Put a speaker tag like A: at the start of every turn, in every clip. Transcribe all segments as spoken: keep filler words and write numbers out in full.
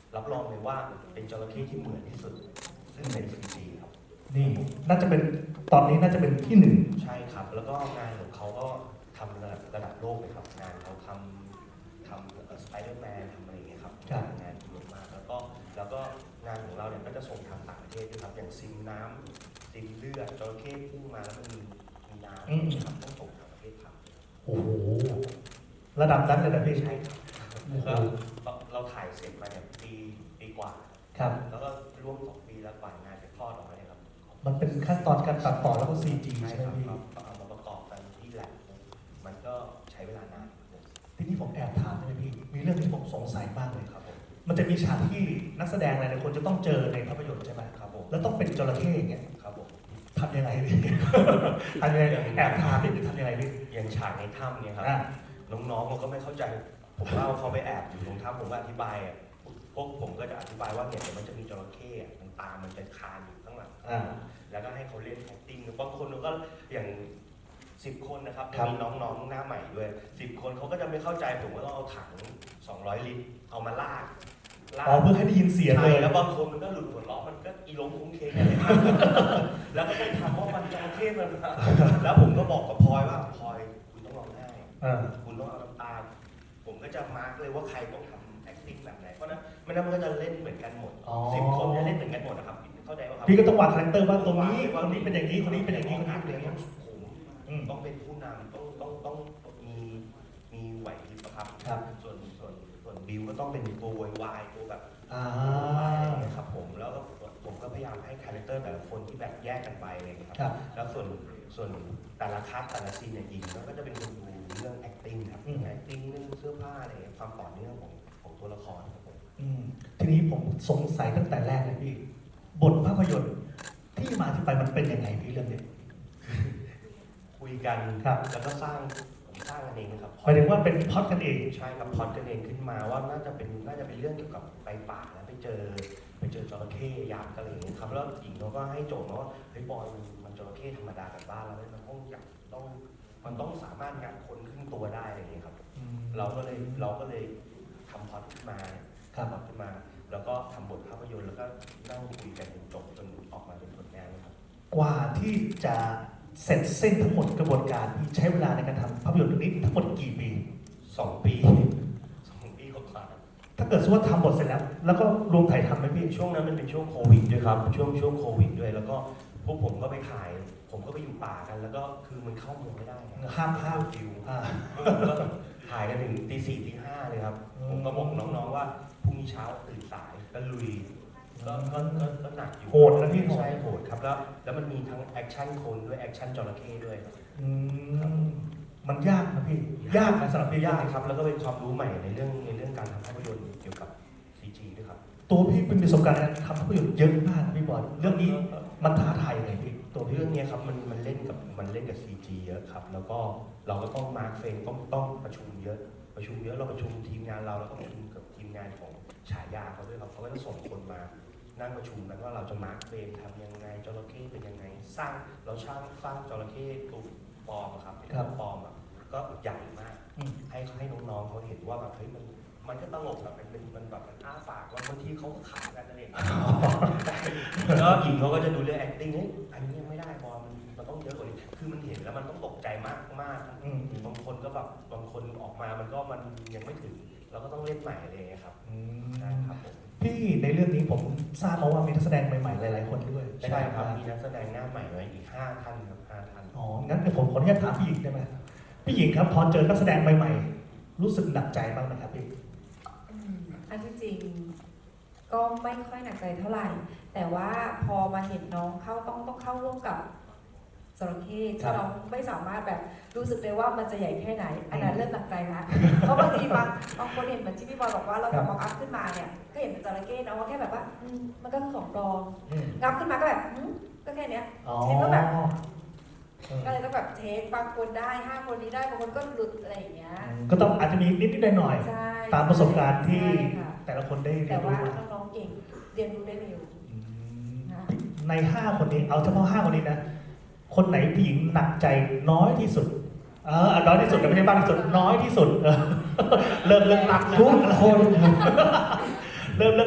A: รับรองเลยว่าเป็นจระเข้ที่เหมือนที่สุดซึ่งเป็น ซี จี ครับ
B: นี่น่าจะเป็นตอนนี้น่าจะเป็นที่หนึ่ง
A: ใช่ครับแล้วก็งานของเขาก็ทำระดับระดับโลกเลยครับงานเขาทำทำสไปเดอร์แมนทำอะไรอย่างเงี้ยครับงานงานเยอะมากแล้วก็แล้วก็งานของเราเนี่ยก็จะส่งทางต่างประเทศด้วยครับอย่างซิมน้ำซิมเลือดจระเข้พุ่งมาแล้วมันมีมีน้ำครับต้องส่งทางประเทศครับ
B: โอ้โหระดับนั้นเลยนะพี่
A: ใช่ครับก็เราถ่ายเสร็จมาเนี่ยปีปีกว่า
B: ครับ
A: แล้วก็ร่วมสองปีแล้วกว่างานจะคลอดออกมาเนี่ยครับ
B: มันเป็นขั้นตอนการตัดต่อแล้วก็ ซี จี
A: ใช่
B: ใช่ไหม
A: ครับ
B: พี่
A: เอามาประกอบกันที่แลบมันก็ใช้เวลานาน
B: ทีนี้ผมแอบถามได้ไหมพี่มีเรื่องที่ผมสงสัยมากเลย
A: ครับผม
B: มันจะมีฉากที่นักแสดงหลายๆคนจะต้องเจอในภาพยนตร์ใช่ไหม
A: ครับผม
B: แล้วต้องเป็นจระเข้อย่างเงี้ย
A: ครับผม
B: ทำยังไงพี่ ทำยังไงแอบถามพี่ทำยังไงพี่
A: อย่างฉากในถ้ำเนี่ยครับน้องๆมันก็ไม่เข้าใจผมเล่าเขาไปแอบอยู่ตรงถ้ำผมก็อธิบายอ่ะพวกผมก็จะอธิบายว่าเนี่ยเดี๋ยวมันจะมีจระเข้มันตามันจะคานอยู่ข้างหลังแล้วก็ให้เขาเล่น acting บางคนก็อย่างสิบคนนะครับจะมีน้องๆหน้าใหม่ด้วยสิบคนเขาก็จะไม่เข้าใจผมก็ต้องเอาถังสองร้อยลิตรเอามาลาก
B: อ๋อเพื่อให้ได้ยินเสียงเลย
A: แล้วบางคนมันก็หลุดหัวเราะมันก็อีล้มคุ้งเคงอะไรแล้วก็ต้องถามว่ามันจระเข้มันแล้วผมก็บอกกับพลอยว่าพลอยคุณต้องร้องไห้คุณต้องเอาน้ำตาผมก็จะมาร์กเลยว่าใครต้องทำ acting แบบไหนเพราะนั้นไม่นั้นมันก็จะเล่นเหมือนกันหมดสิบคนจะเล่นเหมือนกันหมดนะครับเข้าใจป่ะครับ
B: พี่ก็ต้องวางคาแรคเตอร์ว่าตรงนี้คนนี้เป็นอย่างนี้คนนี้เป็นอย่างนี้คนนี้
A: เป็น
B: อย่างนี้
A: ผมต้องเป็นผู้นำต้องต้องต้องมีมีไหวพริบครับส่วนส่วนส่วนบิวก็ต้องเป็นตัววายตัวแบบ
B: อ่า
A: ครับผมแล้วก็ผมก็พยายามให้คาแรคเตอร์แต่ละคนที่แบบแยกกันไปเลยครับแล้วส่วนส่วนแต่ละคัสแต่ละซีนเนี่ยยิงแล้วก็จะเป็นคนดูเรื่อง acting ครับ acting เรื่องเสื้อผ้าอะไรความต่อเนื่องของของตัวละครครับผม
B: ทีนี้ผมสงสัยตั้งแต่แรกเลยพี่บทภาพยนตร์ที่มาที่ไปมันเป็นยังไงพี่เรื่องนี้
A: คุยกัน
B: ครับ
A: แล้วก็สร้างสร้างกันเองครับ
B: หมายถึงว่าเป็นพล็อตกันเอง
A: ใช่ครับพล็อตกันเองขึ้นมาว่าน่าจะเป็นน่าจะเป็นเรื่องเกี่ยวกับไปป่าแล้วไปเจอไปเจอจระเข้ยักษ์อะไรอย่างเงี้ยครับแล้วหญิงเขาก็ให้โจทย์ว่าเฮ้ยบอยมันมันจระเข้ธรรมดาแบบบ้านเรามันต้องอยากต้องมันต้องสามารถงัดคนขึ้นตัวได้อะไรอย่างเงี้ยครับเราก็เลยเราก็เลยทำพล็อตขึ้นมาทำพล็อตขึ้นมาแล้วก็ทำบทภาพยนตร์แล้วก็นั่งคุยกันจนจบจนออกมาเป็นผลงานครับ
B: กว่าที่จะเสร็จสิ้นทั้งหมดกระบวนการที่ใช้เวลาในการทำภาพยนตร์เรื่องนี้ทั้งหมดกี่ปี
A: สองปีสองปีกว่า
B: ถ้าเกิดสมมติว่าทำหมดเสร็จแล้วแล้วก็รวมถ่ายทำไหมพี่
A: ช่วงนั้นมันเป็นช่วงโควิดด้วยครับช่วงช่วงโควิดด้วยแล้วก็พวกผมก็ไปถ่ายผมก็ไปอยู่ป่ากันแล้วก็คือมันเข้าเมืองไม่ได้
B: ห้ามห้าม
A: ฟิวก็ถ่ายกันถึงตีสี่ตีห้าเลยครับผมก็บอกน้องๆว่าพรุ่งนี้เช้าตื่นสายก็ลุยก็ก็ก็หนักอยู่
B: โหดนะพี่
A: ใช่โหดครับแล้วแล้วมันมีทั้งแอคชั่นคนด้วยแอคชั่นจระเข้ด้วย
B: มันยากนะพี่ยากนะสำหรับพี่
A: ยากครับแล้วก็เป็นความรู้ใหม่ในเรื่องในเรื่องการทำภาพยนตร์เกี่ยวกับ ซี จี ด้วยครับ
B: ตัวพี่เป็นประสบการณ์การทำภาพยนตร์เยอะมากพี่บอลเรื่องนี้มันท้าทายยังไงพี่
A: ตัวเรื่องนี้ครับมันมันเล่นกับมันเล่นกับ ซี จี เยอะครับแล้วก็เราก็ต้องมาร์คเฟรมต้องต้องประชุมเยอะประชุมเยอะเราประชุมทีมงานเราแล้วก็ประชุมกับทีมงานของฉายาเขาด้วยครับเขาก็จะส่งคนมานั่งประชุมกันว่าเราจะมาร์คเฟรมทำยังไงจระเข้เป็นยังไงสร้างเราช่างสร้างจระเข้ตัวปลอมครับเป็นตัวปลอมอ่ะก็ใหญ่มากให้ให้น้องๆเขาเห็นว่าแบบเฮ้ยมันมันก็ตลกแบบมันเป็นมันแบบมันอ้าปากว่าบางทีเขาก็ขายกันนั่นเองแล้วหญิงเขาก็จะดูเรื่อง acting เฮ้ยอันนี้ยังไม่ได้บอลมันมันต้องเยอะกว่านี้คือมันเห็นแล้วมันต้องตกใจมากมากบางคนก็แบบบางคนออกมามันก็มันยังไม่ถึงเราก็ต้องเล่นใหม่เลยครับใช่ครับ
B: พี่ในเรื่องนี้ผมทราบมาว่ามีนักแสดงใหม่ๆหลายๆคนด้วย
A: ใช่ครับมีนักแสดงหน้าใหม่ไว้อีกห้าท่านครับห้าท่าน
B: อ๋องั้นเดี๋ยวผมขออนุญาตถามพี่หญิงได้ไหมพี่หญิงครับพอเจอนักแสดงใหม่ๆรู้สึกหนักใจบ้างไหมครับพี่
C: อันที่จริงก็ไม่ค่อยหนักใจเท่าไหร่ แต่ว่าพอมาเห็นน้องเข้าต้องต้องเข้าร่วมกับจระเข้ที่น้องไม่สามารถแบบรู้สึกได้ว่ามันจะใหญ่แค่ไหนอันนั้นเริ่มหนักใจละเพราะบางทีบางบางคนเห็นเหมือนที่พี่บอยบอกว่าเราทำมองอัพขึ้นมาเนี่ยก็เห็นเป็นจระเข้นะว่าแค่แบบว่ามันก็คือของปลอมงับขึ้นมาก็แบบก็แค่เนี้ยเช่นก็แบบก็เลยต้องแบบเทคบางคนได้ห้าคนนี้ได้บางคนก็หลุดอะไรอย่างเงี้ย
B: ก็ต้องอาจจะมีนิดนิดหน่อยๆตามประสบการณ์ที่แต่ละคนได้เรียนรู้
C: แต่ว่าน้องๆเก่งเรียนรู้ได้เร็ว
B: ในห้าคนนี้เอาเฉพาะห้าคนนี้นะคนไหนผู้หญิงหนักใจน้อยที่สุดเออน้อยที่สุดแต่ไม่ใช่มากที่สุดน้อยที่สุดเริ่มเริ่มหนัก
D: ทุกคน
B: เริ่มเริ่ม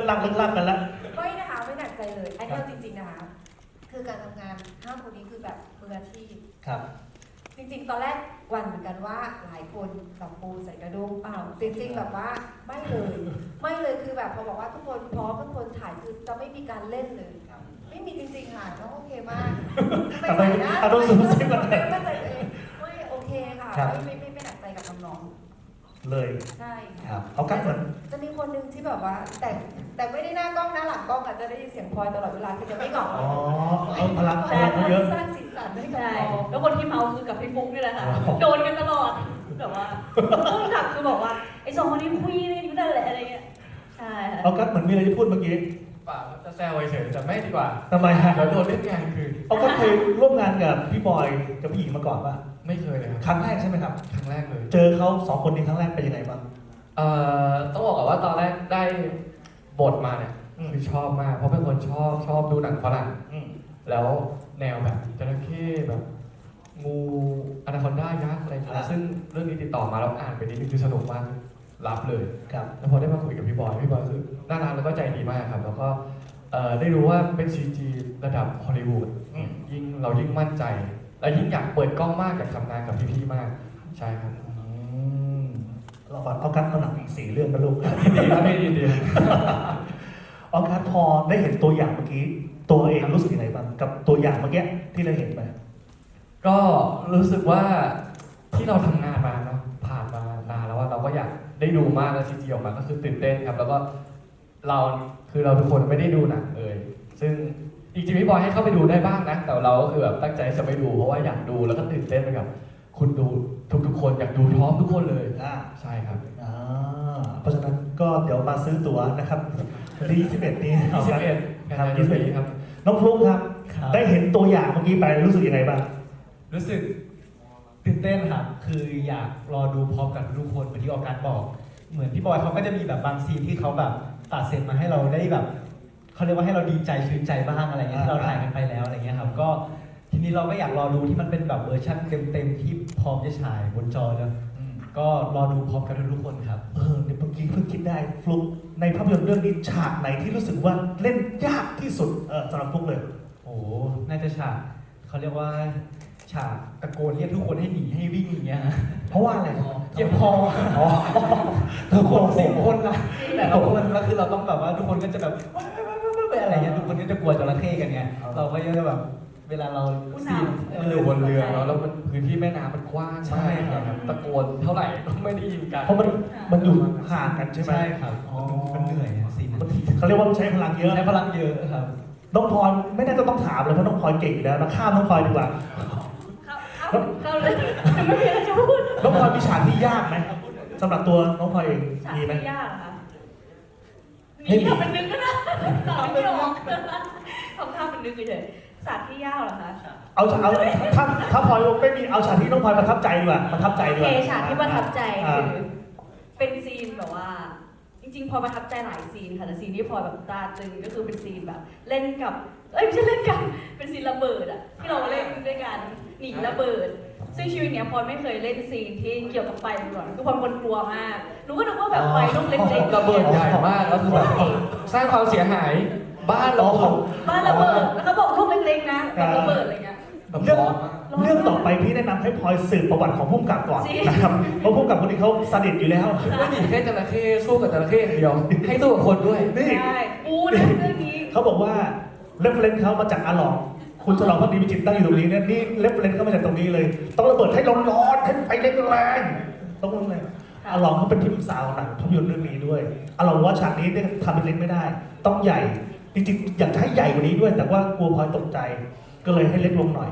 B: ลักเลิกลักกันแล้ว
C: ไม่นะคะไม่หนักใจเลย อันนี้เอาจริงๆนะคะคือการทำงานห้าคนนี้คือแบบมืออาชีพ
B: ครับ
C: จริงๆ ตอนแรกหวันเหมือนกันว่าหลายคนกับปูใส่กระด้งเปล่าจริง ๆ แบบว่าไม่เลย ไม่เลยคือแบบพอบอกว่าทุกคนพร้อมทุกคนถ่ายคือจะไม่มีการเล่นเลย ไม่มีจริงๆค่ะน้องโอเคมากไม่
B: ทำไม
C: ใส่นะ
B: เอาต้องซูมซิมัน
C: ไม่ไม่ใส่ตัวเองไม่โอเคค่ะ
B: ครับ
C: ไม่ไม่ไม่ไม่หนักใจกับน้อง
B: เลย
C: ๆใช่
B: ครั
C: ค่ะ
B: บเอากันเหมือน
C: จะมีคนหนึ่งที่แบบว่า แต่แต่ไม่ได้หน้ากล้องหน้าหลังกล้องอาจจะได้ยินเสียงพลอยตลอดเวลาคือจะไม่เหงา
B: อ๋อเอาพลังพ
C: แต่
B: ลังเขาเยอะ
C: สร้างสีสันให้กับ
D: ใช่
C: น้อง
D: แล้วคนที่เมาคือกับพี่ฟุ๊กนี่แหละค่ะ
B: อ๋อ
D: โดนกันตลอดแบบว่าต้นกลับคือบอกว่าไอ้สองคนนี้คุยกันอยู่นั่นแหละอะไรเงี้ย ใช่ค่ะ
B: เอากันเหมือนมีอะไรจะพูดเมื่อกี้
E: เปล่าจะแซวเฉยๆแต่ไม่ดีกว่า
B: ทำไมฮะ
E: เดี๋ยวโดนเล่นงานคืน
B: เอากันเคยร่วมงานกับพี่บอยกับพี่หญิงมาก่อนป่ะ
E: ไม่เคยเลยครับ
B: ครั้งแรกใช่ไหมครับ
E: ครั้งแรกเลย
B: เจอเขาสองคนนี้ครั้งแรกเป็นยังไงบ้าง
E: เอ่อต้องบอกก่อนว่าตอนแรกได้บทมาเนี่ย
B: อืม
E: คือชอบมาก เพราะเป็นคนชอบชอบดูหนังฝรั่ง
B: อืม
E: แล้วแนวแบบจระเข้แบบงูอนาคอนด้ายักษ์อะไรอย่างเงี้
B: อ่า
E: ยซึ่งเรื่องนี้ติดต่อมาแล้วอ่านไปนิดนึงคือสนุกมากรับเลย
B: ครับ
E: แล้วพอได้มาคุยกับพี่บอยพี่บอยคือน่ารักแล้วก็ใจดีมากครับ แล้วก็เอ่อได้รู้ว่าเป็น ซี จี ระดับฮอลลีวูด
B: อืม
E: ยิ่งเรายิ่งมั่นใจ และยิ่งอยากเปิดกล้องมากอยากทำงานกับพี่ๆมาก ใช่ครับ
B: อืมเราก่อนเอากันเอาหนังอีกสี่เรื่องนะลูก
E: ยินดีครับพี่ยินดี
B: เอากันพอได้เห็นตัวอย่างเมื่อกี้ ตัวเองรู้สึกยังไงบ้างกับตัวอย่างเมื่อกี้ที่เราเห็นไป
E: ก็รู้สึกว่าที่เราทำงานมาเนาะผ่านมานานแล้วว่าเราก็อยากได้ดูมากแล้วซีจีออกมาก็คือตื่นเต้นครับ แล้วก็เราคือเราทุกคนไม่ได้ดูหนังเลยซึ่งจริงๆพี่บอยให้เข้าไปดูได้บ้างนะแต่เราก็คือแบบตั้งใจจะไปดูเพราะว่าอยากดูแล้วก็ตื่นเต้นไปกับคุณดูทุกๆคนอยากดูพร้อมทุกคนเลย
B: อ่า
E: ใช่ครับ
B: อ่าเพราะฉะนั้นก็เดี๋ยวมาซื้อตั๋วนะครับวันที่ยี่สิบเอ็ดนี้เอาครับ
E: ยี่สิบเอ็ด
B: ครับ
E: ยี่สิบเอ็ดครับ
B: น้องฟลุ๊กครับ ได้เห็นตัวอย่างเมื่อกี้ไปรู้สึกยังไงบ้าง
F: รู้สึกตื่นเต้นครับ คืออยากรอดูพร้อมกันทุกคนเหมือนที่ออกัสบอก เหมือนพี่บอยเขาก็จะมีแบบบางซีนที่เขาแบบตัดเสร็จมาให้เราได้แบบเขาเรียกว่าให้เราดีใจชื่นใจบ้างอะไรเงี้ยที่เราถ่ายกันไปแล้วอะไรเงี้ยครับก็ทีนี้เราก็อยากรอดูที่มันเป็นแบบเวอร์ชันเต็มๆที่พร้อมจะฉายบนจอแล้วก็รอดูพร้อมกันทุกคนครับ
B: เออเนี่ยเมื่อกี้เพิ่งคิดได้ฟลุ๊กในภาพยนตร์เรื่องนี้ฉากไหนที่รู้สึกว่าเล่นยากที่สุดเออสำหรับฟลุ๊กเลย
F: โอ้โหน่าจะฉากเขาเรียกว่าฉากตะโกนเรียกทุกคนให้หนีให้วิ่งอย่างเงี้ยฮะ
B: เพราะว่าอะไร
F: เจ็บคอ
B: อ๋อ
F: ทุกคนสิบคนนะแต่ละคนแล้วคือเราต้องแบบว่าทุกคนก็จะแบบอะไรเงี้ยทุกคนก็จะกลัวจระเข้กันไงเราก็จะแบบเวลาเราซีน
E: มันอยู่บนเรือเนาะแล้วมันพื้นที่แม่น้ำมันกว้าง
F: ใช่
E: มาก
F: ครับ
E: ตะโกนเท่าไหร่ก็ไม่ได้ยินกัน
B: เพราะมันมันอยู่ห่างกันใช่ไหม
F: ใช่ครับมันเหนื่อยอะซีน
B: มันเขาเรียกว่ามันใช้พลังเยอะ
F: ใช้พลังเยอะครับ
B: น้องพลอยไม่น่าจะต้องถามเลยเพราะน้องพลอยเก่งอยู่แล้วนะข้ามน้องพลอยดีกว่า
D: เข้าเข้าเข้าเลยไม่มีอะไรจะพูด
B: น้องพลอยมีฉากที่ยากไหมสำหรับตัวน้องพลอยเอง
D: ฉาก
B: มีไหม
D: ที่ยากเหรอคะ
B: ไม่
D: มี
B: มี
D: ทำเป็นนึกก็ได้ตอบไม่ออกทำท่าเป็นนึกเฉยๆฉากที่ยากเหรอคะ
B: เอาฉากเอาถ้าถ้าพลอยไม่มีเอาฉากที่น้องพลอยประทับใจดีกว่าประทับใจ
D: โอ
B: ดีก
D: เค
B: ว่า
D: ฉากที่ประทับใจ
B: อ่า
D: คือเป็นซีนแบบว่า จริงๆพลอยประทับใจหลายซีนค่ะแต่ซีนที่พลอยแบบตาตึงก็คือเป็นซีนแบบ เล่นกับเอ้ยไม่ใช่เล่นกันเป็นซีนระเบิดอะที่เราเล่นด้วยกันหนีระเบิด ซึ่งชีวิตเนี้ยพลอยไม่เคยเล่นซีนที่เกี่ยวกับไฟมาก่อนคือพลอยเป็นคนกลัวมากหนูก็นึกว่าแบบไฟลูกเล็กๆ
E: ระเบิดใหญ่มากแล้วคือแบบสร้างความเสียหายบ้านเรา
D: บ้านระเบิดแล้วเขาบอกลูกเล็กๆนะแบบระเบิดอะไรเงี้ย
E: แบบ
B: เรื่อง
E: ร้อนมาก
B: เรื่องต่อไปพี่แนะนำให้พลอยสืบประวัติของผู้กำกับก่อน
D: จริง
B: นะครับเพราะผู้กำกับคนนี้เขาสนิทอยู่แล้ว
E: ไม่หนีแค่จระเข้สู้กับจระเข้อย่างเดียวให้สู้กับคนด้วย
B: นี่
D: ใช่ปูนะเรื่องนี้
B: เขาบอกว่าเรฟเฟรนซ์เขามาจากอาหลองคุณฉลองพักดีวิจิตรตั้งอยู่ตรงนี้เนี่ยนี่เรฟเฟรนซ์เขามาจากตรงนี้เลย ต้องระเบิดให้ร้อนๆให้ไฟแรงๆต้องแรงอาหลองเขาเป็นที่ปรึกษาของหนังภาพยนตร์เรื่องนี้ด้วยอาหลองว่าฉากนี้เนี่ยทำเป็นเล็กไม่ได้ ต้องใหญ่จริงๆอยากจะให้ใหญ่กว่านี้ด้วย แต่ว่ากลัวพลอยตกใจ ก็เลยให้เล็กลงหน่อย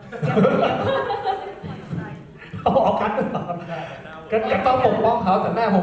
B: เอาออกกันก็
E: ก็ต้องปกป้องเขาแต่หน้าผม